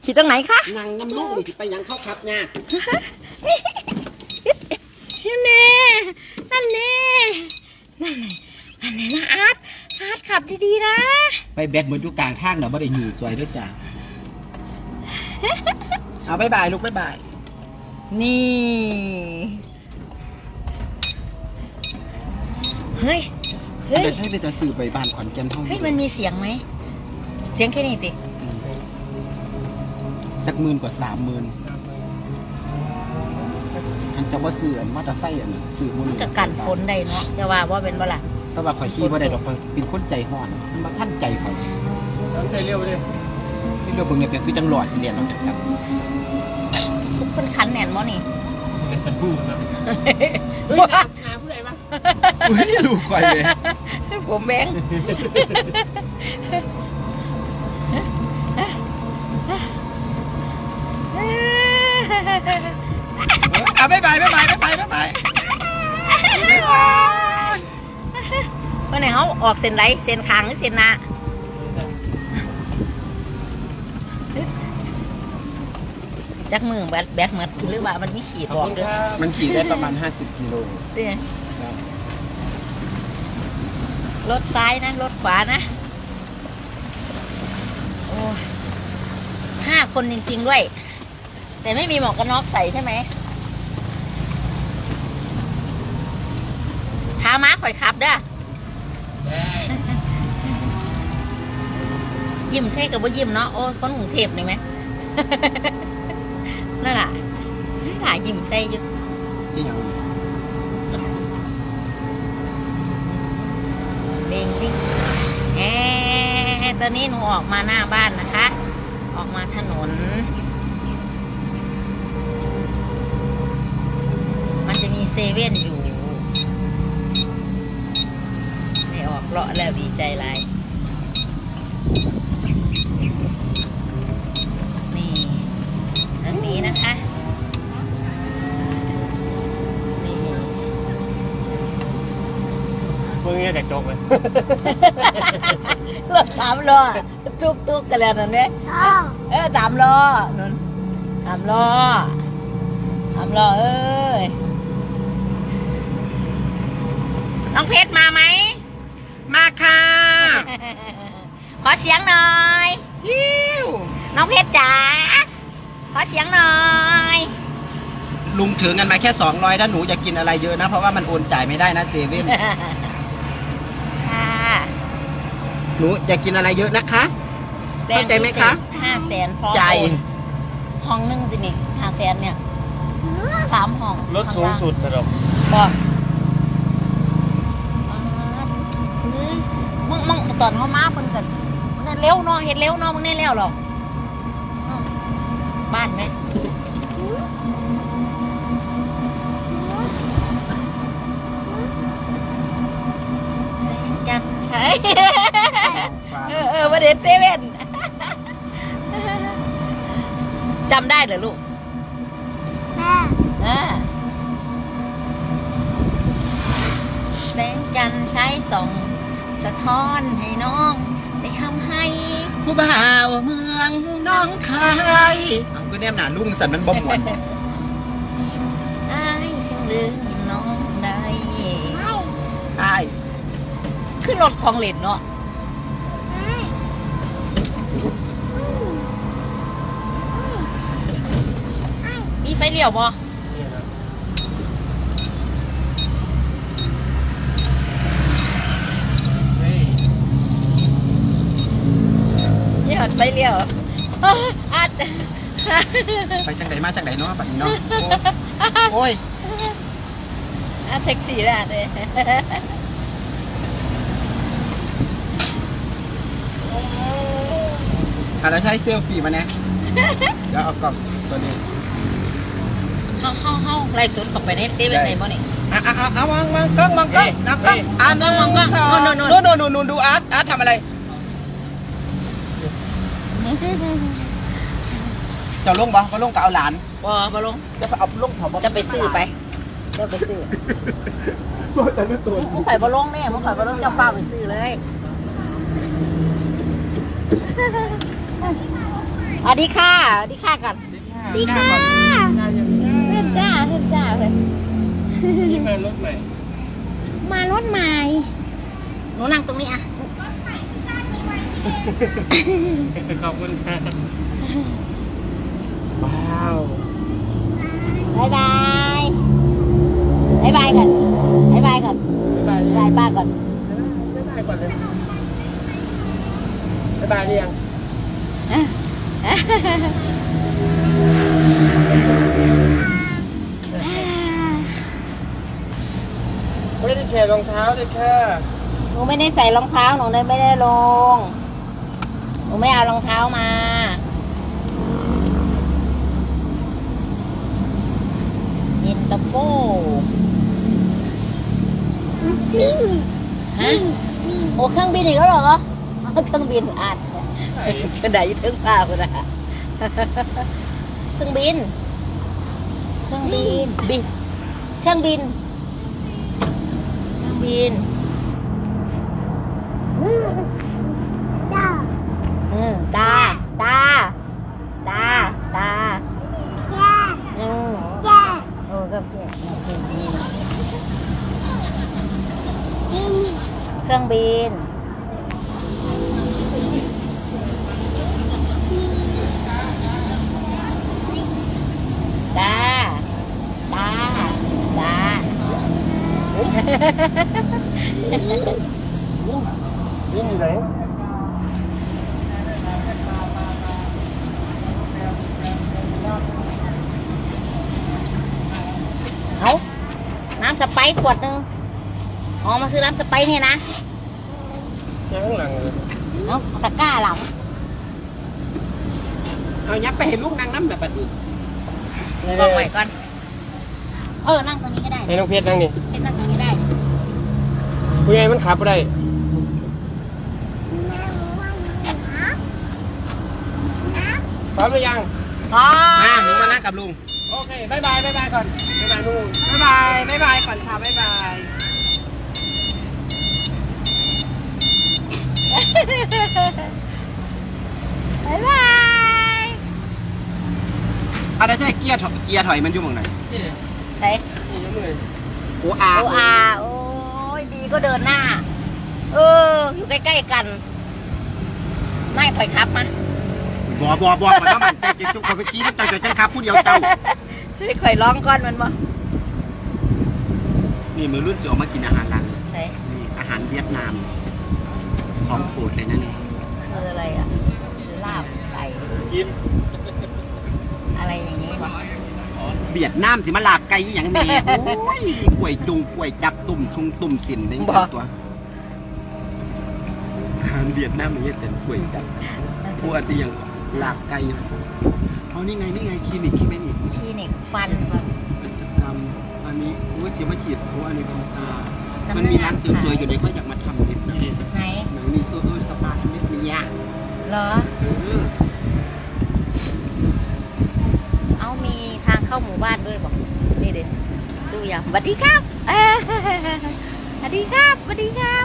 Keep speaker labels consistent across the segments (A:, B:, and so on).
A: ขี่ตรงไหนคะ
B: นั่งน้ำลูกนี่ไปยังเข้าครับเนี่ย
A: นั่นแน่นั่นแน่นะอาร์ตขับดีๆนะ
B: ไปแบกเหมือนอยู่กลางทางเนาะไม่ได้อยู่สวยด้วยจ้าเอาบายบายลูกบายบาย
A: นี่เฮ้ย
B: จะใช้เป็นจะสื่อไปบ้านขอนแก่นห้อง
A: เฮ้ยมันมีเสียงไหมเสียงแค่นี้ติ
B: สักหมื่นกว่า30,000ฉันจะว่าซื้อมอเตอร์ไซค์ซื้อมือ
A: ก็กันฝนได้เนาะจะว่าเป็นบ่ล่ะ
B: แต่ว่าข่อยขี่ว่าได้ดอกข่อยเป็นคนใจห่อนมาท่านใจข่อย
C: ใจเร็วเลย
B: ที่เราเบิ่งเนี่ยเป็นคือจังหลอดสิเรียนเราจัดกัน
A: ทุกคนขันแหนนมั้นี่
C: เป็นผู้ครับเฮ้ยหาผู้ใดบ้าง
B: ลูกข่อยเลย
A: ผมแบง
B: บายบายเ
A: มื่อไหร่เขาออกเส้นไรเส้นคางหรือเส้นหน้าจักมือแบกเหมือนหรือว่ามันมีขีดบอกเกิน
B: มันขี่ได้ประมาณ50 กิโล
A: รถซ้ายนะรถขวานะโอ้5 คนจริงๆด้วยแต่ไม่มีหมวกกันน็อกใส่ใช่ไหมขาม้าข่อยขับเด้อยิ้มใช่กับว่ายิ้มเนาะโอ้คนกรุงเทพนี่ไหมนั่นแหละยิ้มใส่อยู่
B: นี่ยัง
A: เด้งดิ้งตอนนี้หนูออกมาหน้าบ้านนะคะออกมาถนนมันจะมีเซเว่นอยู่ได้ออกเลาะแล้วดีใจหลายนี่ทางนี้นะคะนี่
C: เพิ่งจะจบเลย
A: รถ3 ล้อตุกกันแล้วนั่นเนี่ย3 ล้อนั่น3 ล้อเอ้ยน้องเพชรมาไหม
B: มาค่ะ
A: ขอเสียงหน่อยน้องเพชรจ๋าขอเสียงหน่อย
B: ลุงถือเงินมาแค่200ถ้าหนูอยากกินอะไรเยอะนะเพราะว่ามันโอนจ่ายไม่ได้นะเซเว่น
A: ค่ะ
B: หนูอยากกินอะไรเยอะนะคะเข้าใจไหมคะ
A: 500,000พอ
B: ใจ
A: ห้องนึงสินี่500,000เนี่ย3 ห้อง
C: รถสูงสุดสำหรับ
A: บอกมึงตอนเขามาเพิ่นกันมันเร็วเนาะเห็นเร็วเนาะมึงแน่เร็วหรอกบ้านไหมแสงจันทร์ใช่ประเด็นเซเว่นจำได้เหรอลูกแสงจันทร์ใช้ส่องสะท้อนให้น้องได้ทำให้
B: ผู้บ่าวเมืองน้องคายก็แนมหนาลุงสันมันบ่หมด
A: อ้ายฉันลืมน้องได้
B: ใช่
A: ขึ้นรถของเล่นเนาะมีไฟเลี้ยวบ่ไปเลี้ยวอัด
B: ไปจังไหนมาจังไหนเนาะบัดนี้เนาะโอ้ย
A: แท็กซี่แล้วเลย
B: แล้วใช้เซลฟี่มาเนี่ยเดี๋ยวเอากล่องตัวนี้
A: เฮาไล่สวนเข้าไปในเต้เป็นไงบ่นี่
B: เอาวางกล้องนับกล้องนู่นดูอาร์ตทำอะไรจะลงบ่ลงกับเอาหลาน
A: บ่ลง
B: จะไปเอาลง
A: จะไปซื้อไป
B: แต่รู้ตัว
A: มึงข่อยบ่ลงแม่มึงข่อยบ่ลงจะฟ้าไปซื้อเลยสวัสดีค่ะสวัสดีค่ะก่อนสวัสดีค่ะเห็นจ้าเห็นจ้าเลย
C: นี่มารถใหม่
A: มารถใหม่หนูนั่งตรงนี้อ่ะ
C: ขอบคุณค่ะว้าว
A: บายบายบายบายก่อนบายบายก่อน
C: บ๊ายบาย
A: บายป้าก่อน
C: บ๊ายบายก่อนเลยบ๊ายบายหรือยัง ไม่ได้แชร์รองเท้าเลยค่ะ
A: หนูไม่ได้ใส่รองเท้าหนูเลยไม่ได้ลงหนูไม่เอารองเท้ามาเย็นตาโฟฮะโอ้เครื่องบินอีกแล้วเหรอเครื่องบินอ่านกระดาษยึดเครื่องฟ้าไปละเครื่องบินเครื่องบินบินเครื่องบินเครื่องบินตาตาตาตาโอ้ก็เพื่อนเครื่องบินตาตาตา
C: นี่อยู่ไหน
A: เอาน้ำสไปร์ขวดหนึงอ๋อมาซื้อน้ำสไปร์เนี่ยนะ
C: ยังข้างหลังเลย
A: เอาตะกร้าหลัง
B: เอายับไปเห็นลูกนางน้ำแบบนี้
A: ซื้อกล่องใหม่ก่อนนั่งตรงนี้ก็ได้
C: ให้น้องเพชรนั่งนี่
A: เป็นนั่งตรงนี้ได้
C: ผู้ใหญ่มันขับไปได้พร้อมหรือยัง
A: อ๋อ
B: มาหนูมานั่งกับลุง
C: โอเคบ๊ายบายบ๊ายบายก่อนบ๊ายบายลุงบ๊ายบายบ๊ายบายก่อนค่ะบ๊ายบาย
A: บ๊ายบาย
B: อะไรใช่เกียร์ถอยมันอยู่หมองไหน
C: นี่
A: ไหน
C: นี่ยกมือ
B: โอ้อา
A: โออาโอ้ยดีก็เดินหน้า อยู่ใกล้ๆกัน ไม่ถอยครับมา
B: บอก่อนว่ามันแต่จุกคนไปกี้น้ำใจจจังครับผู้เดียวเจ้า
A: ไม่ค่อยร้องก้อนมันบ่
B: นี่มือรุ่นสิออกมากินอาหารร้านนี้
A: ใช่
B: นี่อาหารเวียดนามของโปรดเลยนั่นเอง
A: คืออะไรอ่ะคือลาบไก่
C: กิน
A: อะไรอย่างนี้บ่
B: เวียดนามสิมาลาบไก่อหย่างแม่โอ้ยกล้วยจุงกล้วยจับตุ่มซุงตุ่มสินได้ตัวอาหารเวียดนามมันเยอะแต่กล้วยจับพวกที่ยังลาบไก่อยู่เอานี่ไงคลินิกนี่
A: คลินิกฟัน
B: ทำอันนี้โอ้ยเกี่ยวมาฉีดโอ้อันนี้ทำตามันมีร้านเสริมสวยอยู่ในก็อยากมาทำนิดนะ
A: ไหน
B: หนังนี่สปาทำเล็บนี่ยาก
A: เหรอ เอามีทางเข้าหมู่บ้านด้วยบอกนี่เด็ดดูอย่างสวัสดีครับสวัสดีครับสวัสดีครับ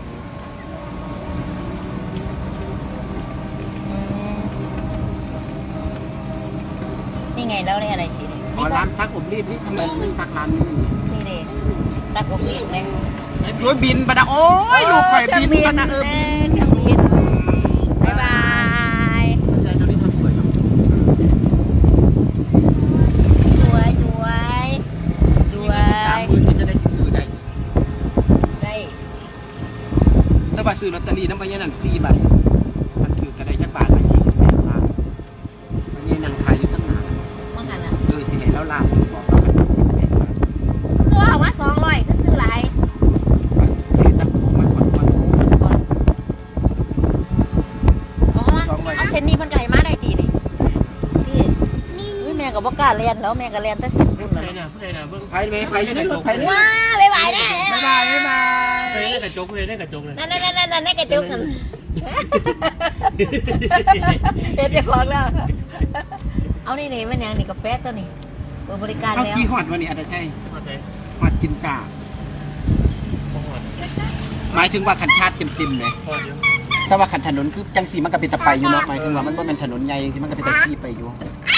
A: นี่ไงแล้วนี่อะไรสิ
B: อ๋อร้านซักอบรีดนี่ทำไมไม่ซักร้านนี้
A: นี่เด็ดสักโอเคเลย
B: โอ้ยบินปะนะโอ้ยลูกไข่บินปะนะบิน
A: เครื่องบินบ๊ายบาย
B: ใจเจ้านี่ทำสวยเนาะ
A: สวย
B: 30,000ก็จะได้ซื้อได้
A: ได้
B: ถ้าว่าซื้อลอตเตอรี่น้ำใบยันนั่น4 ใบมันถือก็ได้จักบาทละ28 บาทมันยันนั่งขายอยู่ตั้งนาน
A: มื่อกันอ่ะ
B: สิเห็นแล้วลาบบอกว่ามัน28 บาท
A: คือว่าว่า200ก็ซื้อหลาย
B: ซื้อตั้งมากกว่า
A: เอาเส้นนี้มันไก่มาได้ตีนี่ที่แม่กับบ่กล้าเรียนแล้วแม่ก็เรียนแต่เส้นรุ่น
C: ผู้
A: เล
C: ใด
A: ย
C: น่ะผู้ใดน่ะเบิ้ง
B: ไปเลยไปอยู่ในรถไปเลย
A: ว้าบ๊ายบายแน่
B: บ๊ายบายบ๊ายบาย
C: ผู้ใดได้กระจกผู้ใดได้กระจกเลย
A: นั่นได้กระจุกกันเป็นเจ้าของแล้วเอานี่มันยังนี่กาแฟตัวนี้เปิดบริการ
B: เอา
A: แล้ว
B: ขี้หอดวันนี้อาจจะใช่
C: มาไหน
B: หอดกินสา
C: มาหอด
B: หมายถึงว่าขันชาติเต็มๆเลย
C: หอดอยู่
B: แต่ว่าขันถนนคือจังสีมันก็เป็นตะไปอยู่เนาะหมายถึงว่ามันบ่เป็นถนนใหญ่จังสีมันก็เป็นตะขี่ไปอยู่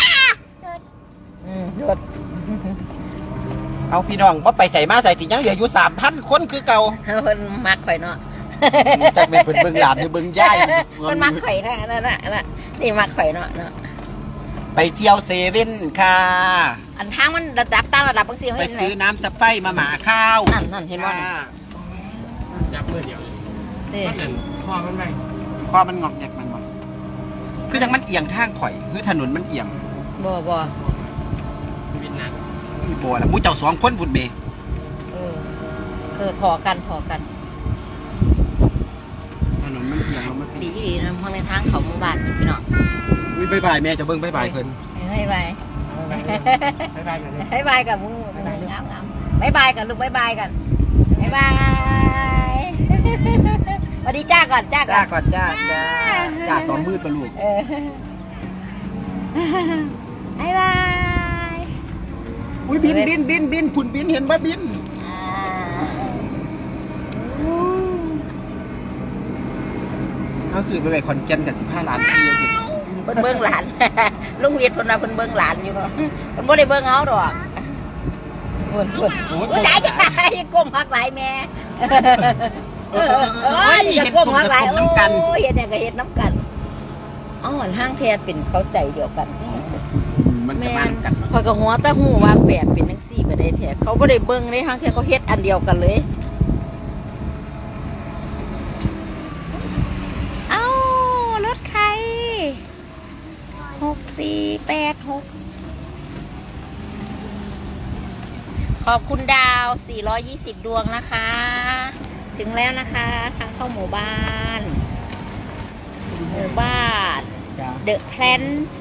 A: หยุด
B: เอาพี่น้องว่าไปใส่มาใส่ติยังเหลืออยู่ 3,000 คนคือเก่า
A: เพิ่นมักข่อยเนาะ
B: จากเป็นเพิ่นเบิ่งหลานหรือเบิ่งย่าย
A: เพิ่นมักข่อยนะนั่นน่ะนี่มักข่อยเนาะ
B: ไปเที่ยวเซเว่นค่ะ
A: อันทางมันระดับตามระดับบางที
B: ไป
A: เห็นไหน
B: ซื้อน้ำสไปซ์มาหมาข้าว
A: นั่นเห็นบ่
B: ค่ะ
C: ยับเมื่อเดียวเลย
A: นี่
C: มันนั่นคอมันไป
B: คอมันงอกแงกมันบ่คือจังมันเอียงทางข่อยคือถนนมันเอียง
A: บ่
C: วินนั้น
B: มีโบล่ะมูเจ้า2 คนพุ่นเม
A: คือถอกัน
B: ถนนมันเอียงแล้วมัน
A: ดีนะเพราะในทางเขาหมู่บ้านพี่น้อง
B: อุ้ยบ๊ายบายแม่จะเบิ่งบ๊ายบายเพิ่น
A: บ๊ายบาย
C: บ๊ายบายกันเลย
A: บ๊ายบายกับมึงงามบ๊ายบายกันลูกบ๊ายบายกันบ๊ายบาย สวัสดีจ้าก่อน
B: จ้าก่อนจ้าจ้าซ้อมมืดปะลูก
A: บ๊ายบาย
B: อุ้ยบินพุ่นบินเห็นว่าบินเอาสื่อไปขอนแก่นกับ15 ล้านปีสิ
A: เพิ่นเบิ่งหลาน ลุงเวียดเพิ่นว่าเพิ่นเบิ่งหลานอยู่เนาะเพิ่นบ่ได้เบิ่งเฮาดอกเพิ่นอุ้ยตายจ้าก้มหักหลายแม่นี่จะก้มหักหลายโอ้ยเฮ็ดเนี่ยก็เฮ็ดน้ำกันอ๋อห้างแท้เป็นเข้าใจเดียวกันนี่
B: มันจะ
A: แม่
B: มานกัน
A: พอยก็หัวแต่หูว่าแฝดเป็นจังซี่บ่ได้แท้เขาบ่ได้เบิ่งเลยห้างแท้เขาเฮ็ดอันเดียวกันเลยเอ้ารถใคร6486ขอบคุณดาว420ดวงนะคะ ถึงแล้วนะคะทางเข้าหมู่บ้านThe Plants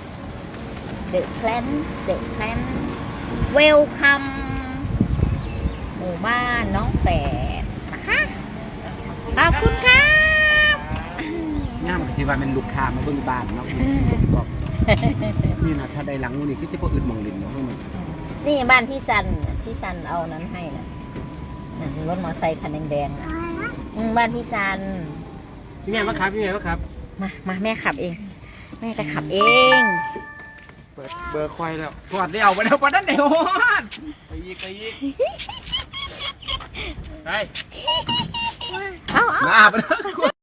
A: Welcome หมู่บ้านน้องแฝดนะคะขอบคุณครับ
B: ง่ามก็สิว่ามันลูกค้ามาเบิ่งบ้านเนาะบอกนี่นะถ้าได้หลังนี่คือสิบ่อึดหม่องลิ้นเนาะ
A: นี่บ้านพี่ซันเอานั้นให้นะรถมอเตอร์ไซค์คันแดงๆนะบ้านพี่ซัน
C: พี่แม่มาครับพี่แม่มาครับ
A: มาแม่ขับเอง แม่จะขับเอง
C: เปิดเบอร์ควายแล้ว
B: ถอดแล้วบ่ได้บ่ได้ฮอด
C: ไปอีกไป
A: เอา
B: มาบ่ได้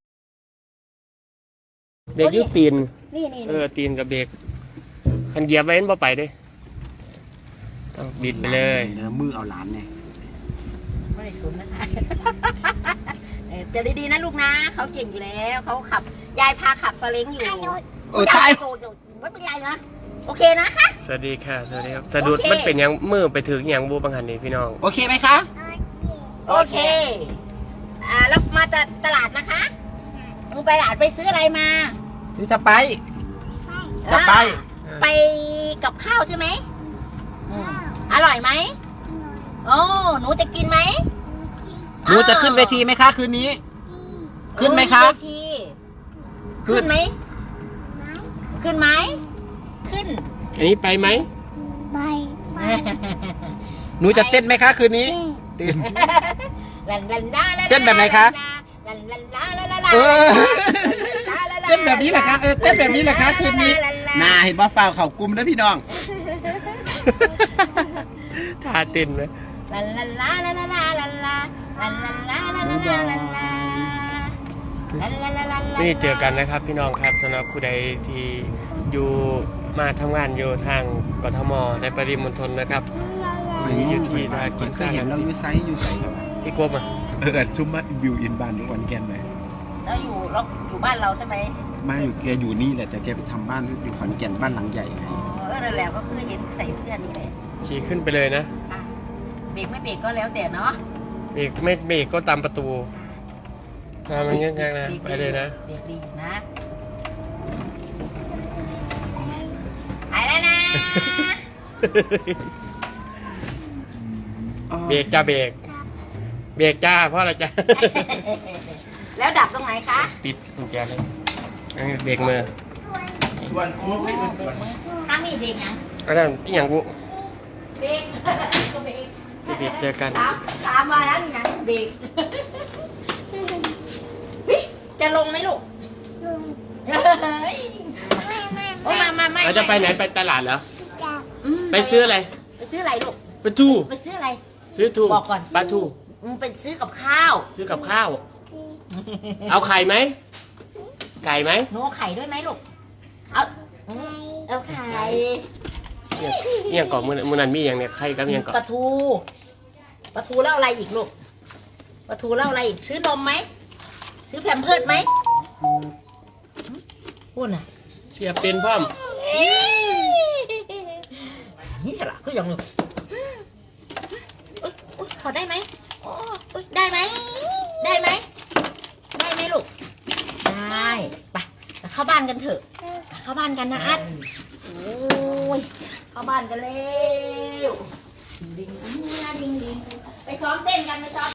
C: เบรกยุตีน
A: นี่
C: ตีนกับเบรกคันเหยียบไว้บ่ไปเด้ต้องบิดไปเลย
B: มือเอาหลานไง
A: ไม่ได้สุนนะคะเดี๋ยวดีๆนะลูกนะเขาเก่งอยู่แล้วเขาขับยายพาขับสเล้งอยู่
B: โอ้ตาย
A: ไม่เป็นไรนะโอเคนะคะ
C: สวัสดีค่ะสวัสดีครับสะดุดมันเป็นยังมือไปถึงยังบูบังหันนี่พี่น้อง
B: โอเคไหมคะ
A: โอเคแล้วมาจากตลาดนะคะมึงไปตลาดไปซื้ออะไรมา
B: ซื้อสไปซ์สไปซ์
A: ไปกับข้าวใช่ไหมอร่อยไหมโอ้หนูจะกินไหม
B: หนูจะขึ้นเวทีไหมคะคืนนี้ ขึ้นไหมคะ
A: เวทีขึ้นไหมขึ้นไหมขึ้น
C: อันนี้ไปไหม
B: หนูจะเต้นไหมคะคืนนี้เต้น เต้นแบบไหนคะ เออเต้นแบบนี้แหละคะเต้นแบบนี้แหละคะคืนนี้น่าเห็นว่าฝ่าวเข่ากลุ่มนะพี่น้อง
C: ท่าเต้นไหมนี่เจอกันนะครับพี่น้องครับสำหรับผู้ใดที่อยู่มาทำงานอยู่ทางกทมในปริมณฑลนะครับวันนี้อยู่ที่ท่ากิน
B: เค
C: ซ่าย
B: เห็นเราอยู่ไซส์อยู่ใส่ครับ
C: พี่กบอ่ะ
B: ชุ่มมาวิวอินบานทุกวันแกนไหม
A: แล้วอยู่บ้านเราใช่ไหม
B: ไม่อยู่แกอยู่นี่แหละแต่แกไปทำบ้านอยู่ขอนแก่นบ้านหลังใหญ่ไง
A: นั่นแหละก็คือเห็นใส่เสื้อนี่แหละ
C: ขี่ขึ้นไปเลยนะ
A: เบรกไม่เบรกก็แล้วแต่เนาะ
C: เบรกไม่เบรกก็ตามประตูมันง่ายๆนะไปเลยนะ
A: เบรกดีนะไปแล้วนะ
C: เบรกจ้าเบรกเบรกจ้าเพราะอะไรจ้า
A: แล้วดับตรงไหนคะ
C: ปิดกุญแจเลยเบรกมือ
A: ถ้ามีเบรกยัง
C: อันนั้นอีหยังกู
A: เบรกก็เบรก
C: เบรกเจอกัน
A: ตามมาแล้วยังเบรกจะลงไหมลูกโอ้มาไม่
C: เราจะไปไหนไปตลาดเหรอ
A: อืม
C: ไปซื้ออะไร
A: ไปซื้ออะไรลูก
C: ปลาทู
A: ไปซื้ออะไร
C: ซื้อทู
A: บอกก่อน
C: ปลาทู
A: ไปซื้อกับข้าว
C: ซื้อกับข้าว เอาไข่ไหมไก่ไหม
A: หนูเอาไข่ด้วยไหมลูก เอาไข่
C: เนี่ยก่อนมือนันมีอย่างเนี่ยไข่กับอย่างก่อน
A: ปลาทูแล้วอะไรอีกลูกปลาทูแล้วอะไรอีกซื้อนมไหมซื้อแพมเพิร์สไหมพูดน่ะ
C: เสียเป็นพ่อม
A: นี่ฉลาดก็ยังเลยพอได้ไหมได้ไหมได้ไหมได้ไหมลูกได้ไปเข้าบ้านกันเถอะเข้าบ้านกันนะอัดโอ้ยเข้าบ้านกันเร็วดิงดิงดิงไปซ้อมเต้นกันไปซ้อม